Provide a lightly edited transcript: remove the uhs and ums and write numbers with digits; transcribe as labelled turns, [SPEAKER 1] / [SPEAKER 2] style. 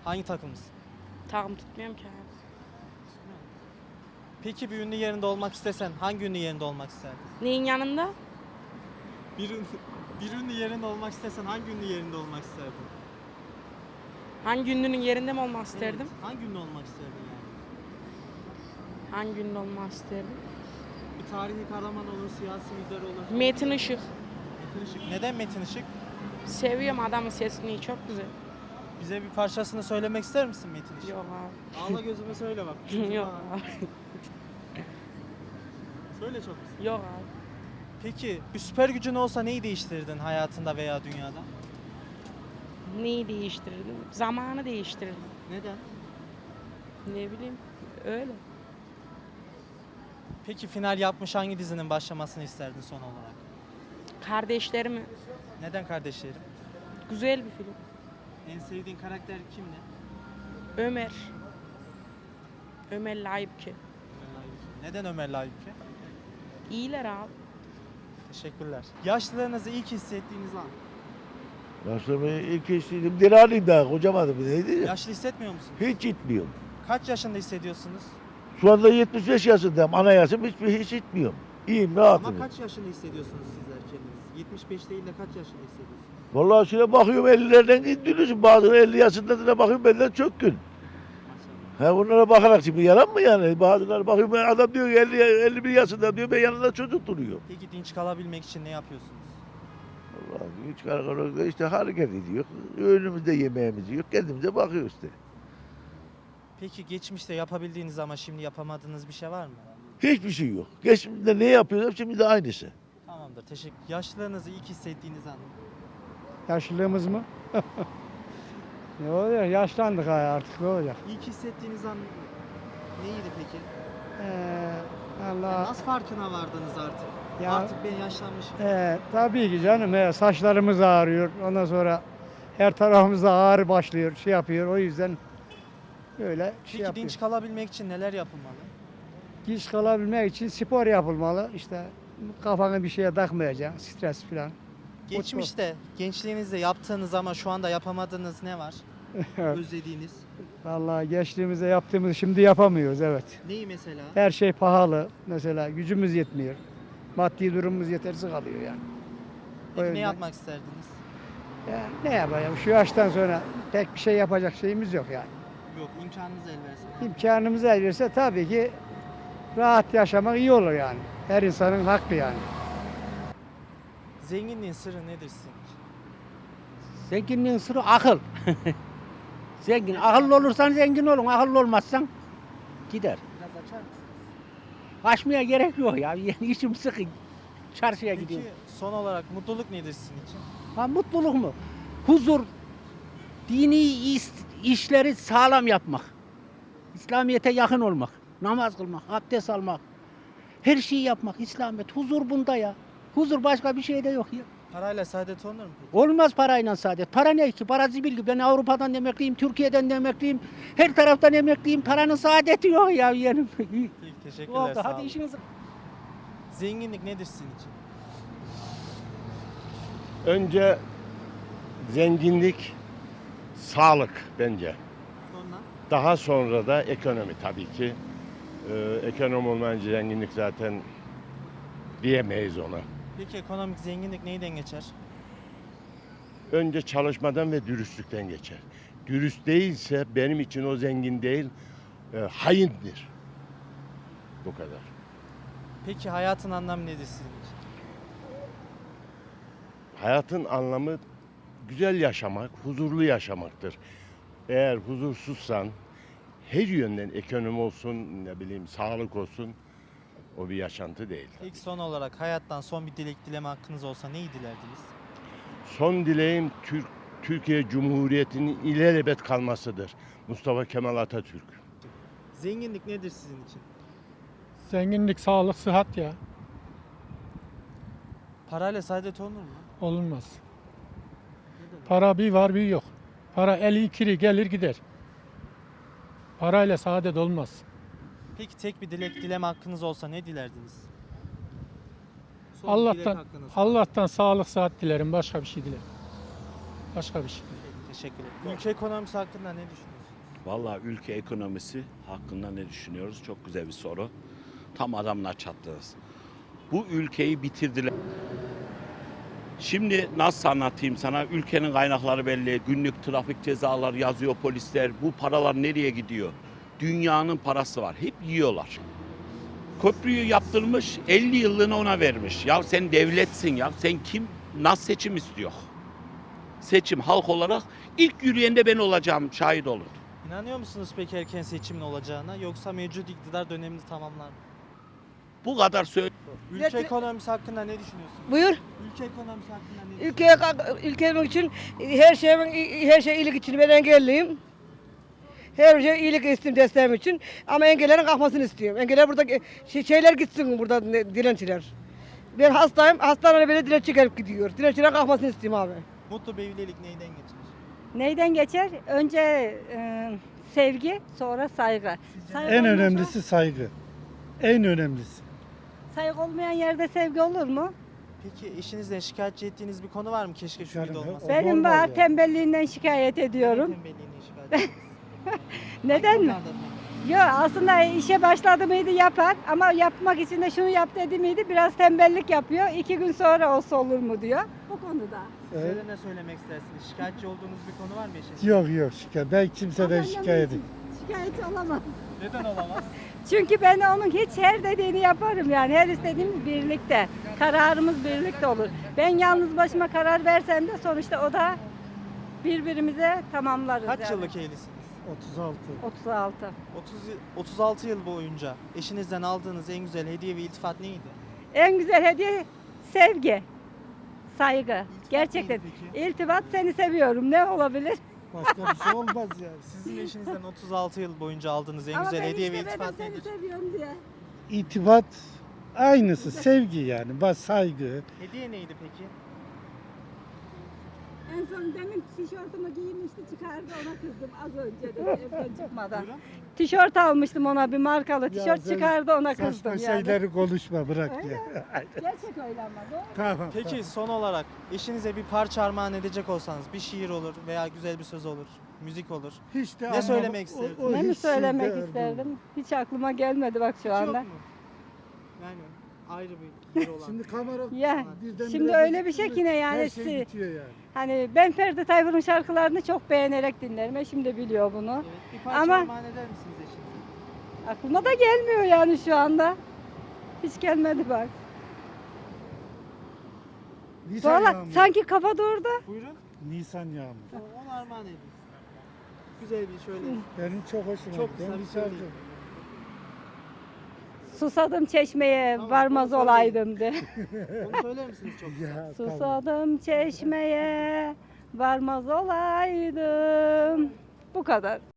[SPEAKER 1] Hangi takımlısın?
[SPEAKER 2] Takım tutmuyorum ki abi.
[SPEAKER 1] Peki bir ünlü yerinde olmak istesen hangi ünlü yerinde olmak isterdin?
[SPEAKER 2] Neyin yanında?
[SPEAKER 1] Bir ünlü yerinde olmak istesen hangi ünlü yerinde olmak isterdin?
[SPEAKER 2] Hangi ünlünün yerinde mi olmak isterdim?
[SPEAKER 1] Evet, hangi ünlü olmak isterdin yani?
[SPEAKER 2] Hangi ünlü olmak isterdim?
[SPEAKER 1] Bir tarihi kahraman olur, siyasi lider olur.
[SPEAKER 2] Metin Işık.
[SPEAKER 1] Metin Işık. Neden Metin Işık?
[SPEAKER 2] Seviyorum adamın sesini, çok güzel.
[SPEAKER 1] Bize bir parçasını söylemek ister misin Metin Işık?
[SPEAKER 2] Yok abi.
[SPEAKER 1] Ağla gözüme söyle bak.
[SPEAKER 2] Yok abi.
[SPEAKER 1] Söyle çok güzel.
[SPEAKER 2] Yok abi.
[SPEAKER 1] Peki bir süper gücün olsa neyi değiştirirdin hayatında veya dünyada?
[SPEAKER 2] Neyi değiştirirdim? Zamanı değiştirirdim.
[SPEAKER 1] Neden?
[SPEAKER 2] Ne bileyim, öyle.
[SPEAKER 1] Peki final yapmış hangi dizinin başlamasını isterdin son olarak?
[SPEAKER 2] Kardeşlerimi,
[SPEAKER 1] Neden kardeşlerim?
[SPEAKER 2] güzel bir film.
[SPEAKER 1] En sevdiğin karakter kimdi?
[SPEAKER 2] Ömer. Ömer Layıpki.
[SPEAKER 1] Neden Ömer Layık'ı?
[SPEAKER 2] İyiler abi.
[SPEAKER 1] Teşekkürler. Yaşlılığınızı ilk hissettiğiniz an.
[SPEAKER 3] Başlamayı ilk eşliydim. Diralıyım daha kocamadım. Neydi ya?
[SPEAKER 1] Yaşlı hissetmiyor musunuz?
[SPEAKER 3] Hiç gitmiyorum.
[SPEAKER 1] Kaç yaşında hissediyorsunuz?
[SPEAKER 3] Şu anda 75 yaşındayım. Ana yaşım hiç gitmiyorum. İyiyim, rahatım.
[SPEAKER 1] Ama kaç yaşında hissediyorsunuz sizler kendiniz? 75 değil de kaç yaşında hissediyorsunuz?
[SPEAKER 3] Vallahi şöyle bakıyorum 50'lerden gidiyorsun. Bazıları 50 yaşında da bakıyorum benden çok gün.
[SPEAKER 1] Maşallah.
[SPEAKER 3] Ha bunlara bakarak şimdi yalan mı yani? Bazıları bakıyorum adam diyor ki 51 yaşında diyor ben yanında çocuk duruyor.
[SPEAKER 1] Peki dinç kalabilmek için ne yapıyorsunuz?
[SPEAKER 3] Vallahi hiç karakol işte hareket ediyor. Önümüzde yemeğimiz yok. Kendimize bakıyoruz işte.
[SPEAKER 1] Peki geçmişte yapabildiğiniz ama şimdi yapamadığınız bir şey var mı?
[SPEAKER 3] Hiçbir şey yok. Geçmişte ne yapıyorsam şimdi de aynısı.
[SPEAKER 1] Tamamdır, teşekkür. Yaşlılığınızı ilk hissettiğiniz an.
[SPEAKER 4] Yaşlılığımız mı? Ne oluyor? Yaşlandık artık, ne olacak?
[SPEAKER 1] İlk hissettiğiniz an neydi peki?
[SPEAKER 4] Allah.
[SPEAKER 1] Nasıl farkına vardınız artık?
[SPEAKER 4] Ya-
[SPEAKER 1] Artık ben yaşlanmışım.
[SPEAKER 4] Tabii ki canım, saçlarımız ağrıyor. Ondan sonra her tarafımızda ağrı başlıyor, şey yapıyor. O yüzden öyle
[SPEAKER 1] Peki
[SPEAKER 4] yapıyor.
[SPEAKER 1] dinç kalabilmek için neler yapılmalı?
[SPEAKER 4] Dinç kalabilmek için spor yapılmalı. İşte kafanı bir şeye takmayacaksın, stres falan.
[SPEAKER 1] Geçmişte, gençliğinizde yaptığınız ama şu anda yapamadığınız ne var? Özlediğiniz.
[SPEAKER 4] Vallahi gençliğimizde yaptığımızı şimdi yapamıyoruz, evet.
[SPEAKER 1] Neyi mesela?
[SPEAKER 4] Her şey pahalı. Mesela gücümüz yetmiyor. Maddi durumumuz yetersiz kalıyor yani. O
[SPEAKER 1] Peki ne
[SPEAKER 4] yüzden-
[SPEAKER 1] yapmak isterdiniz?
[SPEAKER 4] Ya ne yapayım? Şu yaştan sonra pek bir şey yapacak şeyimiz yok yani.
[SPEAKER 1] Yok, imkanınız el versin.
[SPEAKER 4] İmkanımız el verirse tabii ki rahat yaşamak iyi olur yani. Her insanın hakkı yani.
[SPEAKER 1] Zenginliğin sırrı nedir sizin için?
[SPEAKER 5] Zenginliğin sırrı akıl. Zengin, akıllı olursan zengin olun, akıllı olmazsan gider.
[SPEAKER 1] Biraz açar mısınız?
[SPEAKER 5] Açmaya gerek yok ya, yani işim sıkı. Çarşıya
[SPEAKER 1] Peki
[SPEAKER 5] gidiyorum.
[SPEAKER 1] son olarak mutluluk nedir sizin için?
[SPEAKER 5] Ha, mutluluk mu? Huzur, dini işleri sağlam yapmak. İslamiyet'e yakın olmak, namaz kılmak, abdest almak. Her şeyi yapmak, İslamiyet. Huzur bunda ya. Huzur başka bir şeyde yok ya.
[SPEAKER 1] Parayla saadet olunur mu peki?
[SPEAKER 5] Olmaz parayla saadet. Para ne ki? Para zibil gibi. Ben Avrupa'dan emekliyim, Türkiye'den de emekliyim. Her taraftan emekliyim. Paranın saadeti yok ya yeğenim.
[SPEAKER 1] Peki teşekkürler,
[SPEAKER 5] Oldu.
[SPEAKER 1] sağ
[SPEAKER 5] Hadi
[SPEAKER 1] olun.
[SPEAKER 5] işinizi...
[SPEAKER 1] Zenginlik nedir sizin için?
[SPEAKER 6] Önce zenginlik, sağlık bence.
[SPEAKER 1] Sonra?
[SPEAKER 6] Daha sonra da ekonomi tabii ki. Ekonomi olmayınca zenginlik zaten diyemeyiz ona.
[SPEAKER 1] Peki ekonomik zenginlik neyden geçer?
[SPEAKER 6] Önce çalışmadan ve dürüstlükten geçer. Dürüst değilse benim için o zengin değil, haindir. Bu kadar.
[SPEAKER 1] Peki hayatın anlamı nedir sizin için?
[SPEAKER 6] Hayatın anlamı güzel yaşamak, huzurlu yaşamaktır. Eğer huzursuzsan her yönden ekonomi olsun, ne bileyim sağlık olsun o bir yaşantı değil.
[SPEAKER 1] Peki son olarak hayattan son bir dilek dileme hakkınız olsa neyi dilerdiniz?
[SPEAKER 6] Son dileğim Türkiye Cumhuriyeti'nin ilelebet kalmasıdır. Mustafa Kemal Atatürk.
[SPEAKER 1] Zenginlik nedir sizin için?
[SPEAKER 7] Zenginlik, sağlık, sıhhat ya.
[SPEAKER 1] Parayla saadet olunur mu?
[SPEAKER 7] Olunmaz.
[SPEAKER 1] Neden?
[SPEAKER 7] Para bir var bir yok. Para eli kiri gelir gider. Parayla saadet olmaz.
[SPEAKER 1] Peki tek bir dilek dileme hakkınız olsa ne dilerdiniz? Son bir dilek
[SPEAKER 7] Allah'tan
[SPEAKER 1] hakkınız.
[SPEAKER 7] Allah'tan sağlık, sıhhat dilerim. Başka bir şey dilerim. Başka bir şey.
[SPEAKER 1] Peki, teşekkür ederim. Ülke ekonomisi hakkında ne düşünüyorsunuz?
[SPEAKER 8] Vallahi ülke ekonomisi hakkında ne düşünüyoruz? Çok güzel bir soru. Tam adamla çattınız. Bu ülkeyi bitirdiler. Şimdi nasıl anlatayım sana? Ülkenin kaynakları belli. Günlük trafik cezaları yazıyor polisler. Bu paralar nereye gidiyor? Dünyanın parası var. Hep yiyorlar. Köprüyü yaptırmış, 50 yıllığına ona vermiş. Ya sen devletsin ya. Sen kim? Nasıl seçim istiyor? Seçim halk olarak ilk yürüyen de ben olacağım, şahit olun.
[SPEAKER 1] İnanıyor musunuz peki erken seçimin olacağına yoksa mevcut iktidar dönemini tamamlar mı?
[SPEAKER 8] Bu kadar söyle.
[SPEAKER 1] Ülke ekonomisi hakkında ne düşünüyorsunuz?
[SPEAKER 9] Buyur.
[SPEAKER 1] Ülke ekonomisi hakkında ne düşünüyorsunuz?
[SPEAKER 9] Ülkem için her şey iyilik için ben engelliyim. Her şey iyilik istiyorum desteğim için ama engellerin kalkmasını istiyorum. Engeller burada şeyler gitsin burada dilenciler. Ben hastayım. Hastaneye böyle dilenci gelip gidiyor. Dilencilerin kalkmasını istiyorum abi.
[SPEAKER 1] Mutlu bir evlilik neyden geçer?
[SPEAKER 10] Neyden geçer? Önce sevgi, sonra saygı. Saygı
[SPEAKER 11] En
[SPEAKER 10] olmasa-
[SPEAKER 11] önemlisi saygı. En önemlisi.
[SPEAKER 10] Saygı olmayan yerde sevgi olur mu?
[SPEAKER 1] Peki eşinizden şikayetçi ettiğiniz bir konu var mı? Keşke şu
[SPEAKER 11] Yani
[SPEAKER 1] gibi olmasa.
[SPEAKER 11] o-
[SPEAKER 10] Benim
[SPEAKER 11] olmaz
[SPEAKER 10] var,
[SPEAKER 11] ya.
[SPEAKER 10] tembelliğinden şikayet ediyorum.
[SPEAKER 1] Tembelliğine şikayet ediyorsunuz.
[SPEAKER 10] Neden mi?
[SPEAKER 1] Hangi konularda peki?
[SPEAKER 10] Yok, aslında işe başladı mıydı yapar ama yapmak için de şunu yap dedi miydi biraz tembellik yapıyor. 2 gün sonra olsa olur mu diyor. Bu konuda.
[SPEAKER 1] Size de ne söylemek istersiniz? Şikayetçi olduğunuz bir konu var mı eşinizden?
[SPEAKER 11] Yok şikayet. Ben kimseden şikayet edeyim.
[SPEAKER 10] Şikayetçi olamaz.
[SPEAKER 1] Neden olamaz?
[SPEAKER 10] Çünkü ben onun hiç her dediğini yaparım yani her istediğimiz birlikte. Kararımız birlikte olur. Ben yalnız başıma karar versem de sonuçta o da birbirimize tamamlarız.
[SPEAKER 1] Kaç
[SPEAKER 10] yani.
[SPEAKER 1] yıllık evlisiniz?
[SPEAKER 11] 36.
[SPEAKER 10] 36.
[SPEAKER 1] 36 yıl boyunca eşinizden aldığınız en güzel hediye ve iltifat neydi?
[SPEAKER 10] En güzel hediye sevgi, saygı. Gerçekten.
[SPEAKER 1] neydi peki?
[SPEAKER 10] İltifat seni seviyorum. Ne olabilir?
[SPEAKER 11] Başka bir şey olmaz yani.
[SPEAKER 1] Sizin eşinizden 36 yıl boyunca aldığınız en
[SPEAKER 10] Ama
[SPEAKER 1] güzel
[SPEAKER 10] ben
[SPEAKER 1] hediye ve
[SPEAKER 10] işte dedim
[SPEAKER 1] iltifat
[SPEAKER 10] seni
[SPEAKER 1] nedir?
[SPEAKER 10] seviyorum diye.
[SPEAKER 11] İtibat aynısı. Sevgi yani. Bak saygı.
[SPEAKER 1] Hediye neydi peki?
[SPEAKER 10] En son demin tişörtümü giymişti çıkardı ona kızdım az önce de evden çıkmadan.
[SPEAKER 1] Buyurun.
[SPEAKER 10] Tişört almıştım ona bir markalı
[SPEAKER 11] Ya
[SPEAKER 10] tişört
[SPEAKER 11] sen
[SPEAKER 10] çıkardı ona kızdım
[SPEAKER 11] Saçma
[SPEAKER 10] yani.
[SPEAKER 11] şeyleri konuşma bırak
[SPEAKER 10] Öyle
[SPEAKER 11] ya.
[SPEAKER 10] Gerçek öyle ama doğru.
[SPEAKER 11] Tamam.
[SPEAKER 1] Peki son olarak eşinize bir parça armağan edecek olsanız bir şiir olur veya güzel bir söz olur, müzik olur.
[SPEAKER 11] Hiç de
[SPEAKER 1] Ne
[SPEAKER 11] anlam-
[SPEAKER 1] söylemek isterdin?
[SPEAKER 10] Ne mi
[SPEAKER 11] hiç
[SPEAKER 10] söylemek
[SPEAKER 11] şeyde-
[SPEAKER 10] isterdim? Hiç aklıma gelmedi bak şu
[SPEAKER 1] Hiç
[SPEAKER 10] anda.
[SPEAKER 1] yok mu? Yani ayrı bir yeri olan.
[SPEAKER 11] Şimdi kamera
[SPEAKER 10] Ya
[SPEAKER 11] birden
[SPEAKER 10] şimdi
[SPEAKER 11] bire
[SPEAKER 10] öyle bir
[SPEAKER 11] gözüktü
[SPEAKER 10] şey
[SPEAKER 11] mü
[SPEAKER 10] ki ne yani
[SPEAKER 11] Her şey bitiyor yani.
[SPEAKER 10] hani ben Ferdi Tayfur'un şarkılarını çok beğenerek dinlerim. Eşim de biliyor bunu.
[SPEAKER 1] Evet, bir parça
[SPEAKER 10] Ama-
[SPEAKER 1] armağan eder misiniz eşinize?
[SPEAKER 10] Aklıma da gelmiyor yani şu anda. Hiç gelmedi bak.
[SPEAKER 11] Nisan
[SPEAKER 10] Valla
[SPEAKER 11] yağmuru.
[SPEAKER 10] sanki kafa durdu.
[SPEAKER 1] Buyurun.
[SPEAKER 11] Nisan yağmuru.
[SPEAKER 1] Onu armağan edin. Güzel bir şöyle.
[SPEAKER 11] Benim çok hoşuma
[SPEAKER 1] Çok
[SPEAKER 11] gitti.
[SPEAKER 1] kısa
[SPEAKER 11] Ben
[SPEAKER 1] bir
[SPEAKER 11] bir şarkı-
[SPEAKER 1] söyleyeyim.
[SPEAKER 10] Susadım çeşmeye
[SPEAKER 1] Tamam,
[SPEAKER 10] varmaz
[SPEAKER 1] onu
[SPEAKER 10] olaydım de.
[SPEAKER 1] Onu söyler misiniz çok kısa?
[SPEAKER 11] Ya, tamam.
[SPEAKER 10] Susadım çeşmeye varmaz olaydım. Bu kadar.